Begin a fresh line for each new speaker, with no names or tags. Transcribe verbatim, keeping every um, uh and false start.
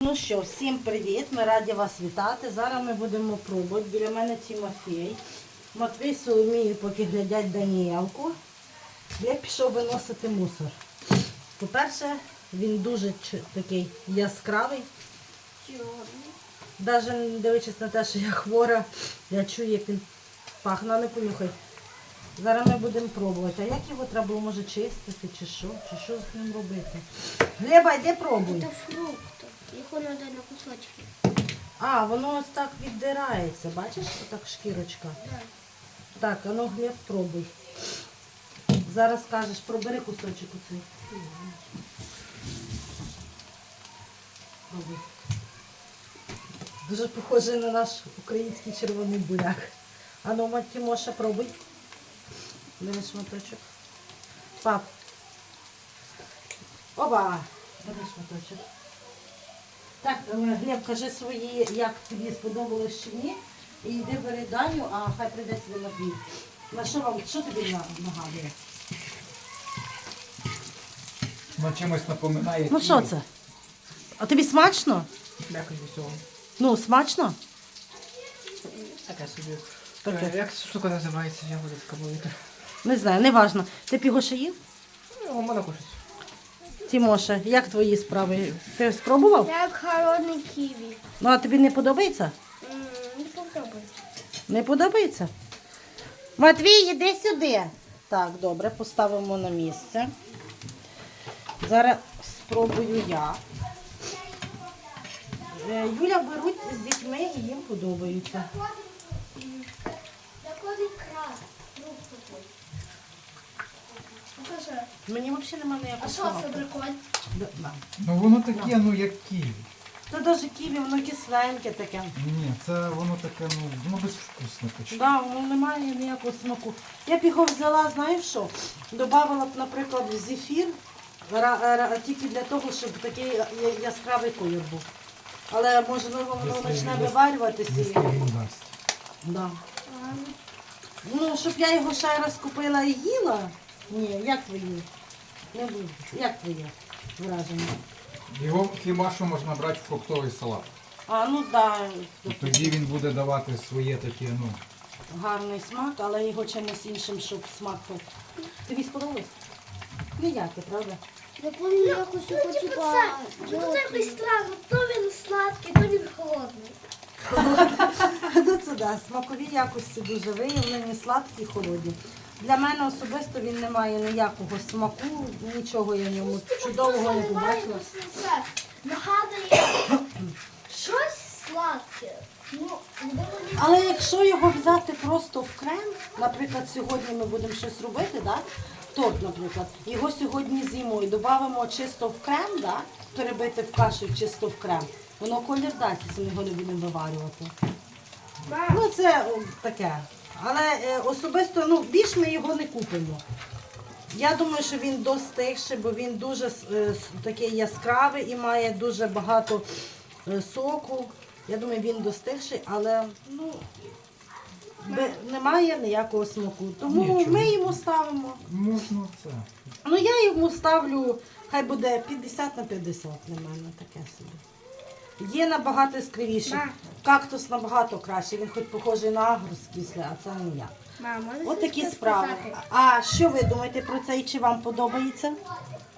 Ну що, всім привіт! Ми раді вас вітати. Зараз ми будемо пробувати. Біля мене Тимофій. Матвій з Соломією поки глядять Даніелку. Я пішов виносити мусор. По-перше, він дуже такий яскравий. Навіть не дивлячись на те, що я хвора, я чую, як він пахне, не понюхай. Зараз ми будемо пробувати. А як його треба було, може, чистити, чи що? Чи що з ним робити? Глеба, йди пробуй.
Це фрукт. Його треба на кусочки.
А, воно ось так віддирається. Бачиш, отак шкірочка?
Да.
Так, а ну, Глеб, пробуй. Зараз скажеш, пробери кусочок оцей. Пробуй. Дуже похожий на наш український червоний буряк. А ну, мать Тимоша, пробуй. Бери шматочок. Пап. Оба! Бери шматочок. Так, Глеб, кажи свої, як тобі сподобалось чи ні. І йди бери Даню, а хай прийде сюди на двір. На що вам, що тобі нагадує?
Ну, чимось напоминає.
Ну що це? А тобі смачно?
Якось усього.
Ну, смачно?
Таке собі.
Таке.
Е, Як ця штука називається, я буду скабувати.
Не знаю, не важно. Ти б його ще їв?
Ну, у мене кушать.
Тимоша, як твої справи? Ти спробував?
Як холодний ківі.
Ну, а тобі не подобається?
М, Не попробуй.
Не подобається? Матвій, іди сюди. Так, добре, поставимо на місце. Зараз спробую я. Е, Юля беруть з дітьми і їм подобаються.
Заходить крас. Фрукт такий. Покажи.
Мені взагалі немає
А
ніякого
що
смаку.
це прикольно?
Да, да.
Ну воно таке, ну як ківі.
Та навіть ківі, воно кисленьке таке.
Ні, це воно таке, ну, воно безвкусне почти.
Да, воно немає ніякого смаку. Я б його взяла, знаєш що? Добавила б, наприклад, в зефір, ра- ра- тільки для того, щоб такий я- яскравий колір був. Але можливо воно
Якщо
почне
він
виварюватися. і-
Якщо він дасть.
Да. Ну, щоб я його ще раз купила і їла? Ні, як твої? Не буду. Як твоє враження?
Його хіба що можна брати в фруктовий салат.
А, ну так,
І тоді він буде давати своє таке, ну.
гарний смак, але його чимось іншим, щоб смак. був. Тобі сподобалось? Ніяке, правда?
Я пам'ятаю якось його типа.
Тут якось странно, то він сладкий, то він холодний.
Ну це да, смакові якості дуже виявлені, сладкі, холодні. Для мене особисто він не має ніякого смаку, нічого я в ньому чудового не побачила.
Це нагадує щось сладке. Ну, можливо, ні.
Але якщо його взяти просто в крем, наприклад, сьогодні ми будемо щось робити, да? Торт, наприклад, його сьогодні з'їмо і додамо чисто в крем, да? Перебити в кашу чисто в крем, воно колір дасть, якщо ми його не будемо виварювати. Ну це о, таке. Але е, особисто, ну, більш ми його не купимо. Я думаю, що він достигший, бо він дуже е, с- такий яскравий і має дуже багато е, соку. Я думаю, він достигший, але ну, бе- немає ніякого смаку. Тому
Нічого.
ми йому ставимо.
Можна це.
Ну я йому ставлю, хай буде п'ятдесят на п'ятдесят для мене, таке собі. Є набагато скривіше. Кактус набагато краще, він хоч похожий на агрус кислий, а це не я.
Мама,
От такі справи. А що ви думаєте про це і чи вам подобається?